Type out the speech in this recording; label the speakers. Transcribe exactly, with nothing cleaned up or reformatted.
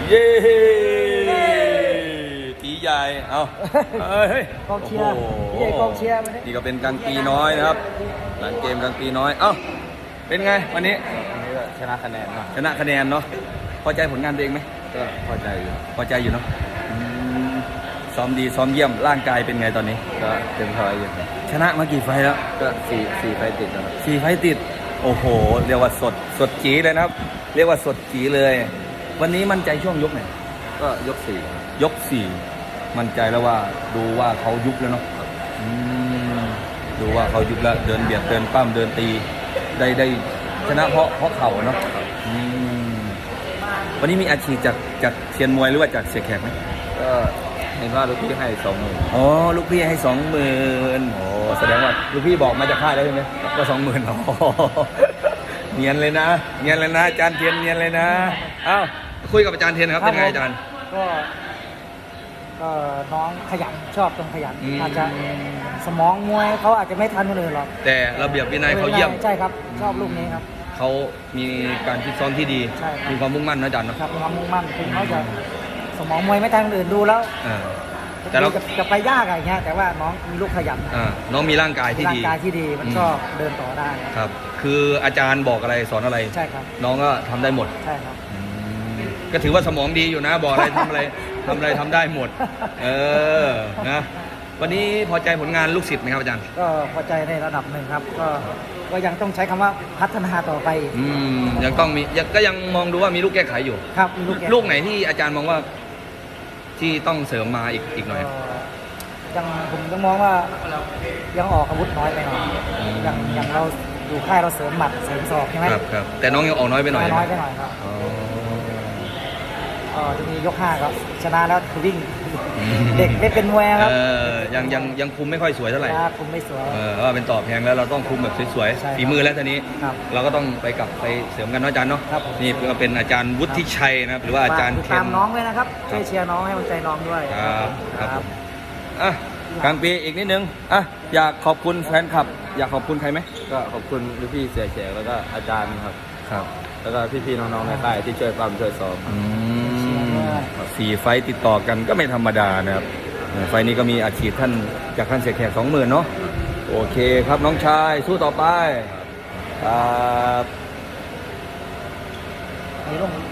Speaker 1: เย้ตีใหญ่เอาเฮ้ย
Speaker 2: กองเชียร์พี่ใหญ่กองเชียร์มาดิ
Speaker 1: นี่ก็เป็นกลางปีน้อยนะครับหลังเกมกลางปีน้อยเอ้าเป็นไงวันนี้
Speaker 3: วันนี้ก็ชนะคะแนนเนาะ
Speaker 1: ชนะคะแนนเนาะพอใจผลงานตัวเองไหม
Speaker 3: ก็พอใจอยู่
Speaker 1: พอใจอยู่เนาะอืมซ้อมดีซ้อมเยี่ยมร่างกายเป็นไงตอนนี้
Speaker 3: ก็เต็มพอยอยู่
Speaker 1: ชนะมากี่ไฟล์แล้ว
Speaker 3: ก็สี่สี่ไฟติดแล้วครับ
Speaker 1: สี่ไฟล์ติดโอ้โหเรียกว่าสดสดจีเลยนะครับ เรียกว่าสดจีเลย วันนี้มั่นใจช่วงยกไหน
Speaker 3: ก็ยกสี่
Speaker 1: ยกสี่มั่นใจแล้วว่าดูว่าเขายุบแล้วเนาะอืมดูว่าเขายุบแล้วเดินเบียดเดินปั้มเดินตีได้ได้ชนะเพราะเพราะเข่าเนาะอืมวันนี้มีอาชีพจากจากเซียนมวยหรือว่าจากเสียแขกไหม
Speaker 3: ก็เห็นว่าลูกพี่ให้สองหมื่น
Speaker 1: อ๋อลูกพี่ให้สองหมื่นโอ้แสดงว่าลูกพี่บอกมาจากค่ายแล้วใช่ไหมก็สองหมื่นอ๋อเนียนเลยนะเนียนเลยนะอาจารย์เทียนเนียนเลยนะเอ้าคุยกับอาจารย์เทียนครับเป็นไงอาจารย์
Speaker 2: ก็ก็น้องขยันชอบตรงขยัน
Speaker 1: อืม
Speaker 2: อาจจะสมองมวยเขาอาจจะไม่ทันคนอื่นหรอก
Speaker 1: แต่ระเบียบวินัยเขาเยี่ยม
Speaker 2: ใช่ครับชอบลูกนี้ครับ
Speaker 1: เขามีการฟิตซ้อมที่ดี
Speaker 2: ใช่ครับ
Speaker 1: มีความมุ่งมั่นนะอาจารย์เนาะ
Speaker 2: ครับมีความมุ่งมั่นถึงเขาจะสมองมวยไม่ทันคนอื่นดูแล้ว
Speaker 1: อ่าแต่เรา
Speaker 2: จะจะไปยากอะไรเงี้ยแต่ว่าน้องมีลูกขยัน
Speaker 1: อ่าน้องมีร่างกายที่
Speaker 2: ร่าง
Speaker 1: ดี
Speaker 2: กายที่ดีมัน
Speaker 1: อืม
Speaker 2: ก็เดินต่อได้ครับ
Speaker 1: ครับ คืออาจารย์บอกอะไรสอนอะไร
Speaker 2: ใช่ครับ
Speaker 1: น้องก็ทำได้หมด
Speaker 2: ใช่ครับ
Speaker 1: ก็ถือว่าสมองดีอยู่นะ บอกอะไรทำอะไรทำอะไรทำได้หมด เออนะวันนี้พอใจผลงานลูกศิษย์ไหมครับอาจารย์
Speaker 2: ก็พอใจในระดับหนึ่งครับ ก็ก็ยังต้องใช้คำว่าพัฒนาต่อไป
Speaker 1: อืมยังต้องมียังก็ยังมองดูว่ามีลูกแก้ไขอยู่
Speaker 2: ครับมีลูกแก
Speaker 1: ลูกไหนที่อาจารย์มองว่าที่ต้องเสริมมาอีกอีกหน่อย
Speaker 2: ก็ยังผมยังมองว่ายังออกอาวุธน้อยไปหน่อย
Speaker 1: อืม
Speaker 2: ยังยังเราอยู่ค่ายเราเสริมหมัดเสริมศอกใช่ไหม
Speaker 1: ครับครับแต่น้องยังออกน้อยไปหน่อย
Speaker 2: น้อยไปหน่อยครับ
Speaker 1: อ๋อ
Speaker 2: ก็จะมียกห้าครับชนะแล้วคือวิ่ง เด็กไม่เป็นมวยครับ
Speaker 1: เออยังยังยังคุมไม่ค่อยสวยเท่าไหร่
Speaker 2: นะคุมไม่สวย
Speaker 1: เออว่าเป็นต่อแพงแล้วเราต้องคุมแบบสวย
Speaker 2: ใช่ครับ
Speaker 1: ๆฝีมือแล้วทีนี้
Speaker 2: ครับ
Speaker 1: เราก็ต้องไปกลับไปเสริมกันเนาะอาจารย์เนาะ
Speaker 2: ครับผม
Speaker 1: นี่ก็เป็นอาจารย์วุฒิชัยนะครับหรือว่าอาจารย์
Speaker 2: ฝกติด
Speaker 1: เท
Speaker 2: ตาน มน้องด้วยนะครับช่วยเชียร์น้องให้กำลังใจน้องด้วย
Speaker 1: ครับครับผมอ่ะกลางปีอีกนิดนึงอ่ะอยากขอบคุณแฟนคลับ อยากขอบคุณใครไหม
Speaker 3: ก็ขอบคุณลูกพี่เสียแขกแล้วก็อาจารย์ครับ
Speaker 1: ครับ
Speaker 3: แล้วก็พี่ๆน้องๆในค่ายที่ช่วยปั๊มช่วยซ้อม
Speaker 1: อืมสี่ไฟต์ติดต่อกันก็ไม่ธรรมดานะครับไฟต์นี้ก็มีอาชีพท่านจากท่านเสียแขกสองหมื่นเนาะโอเคครับน้องชายสู้ต่อไปครับ
Speaker 2: มีลง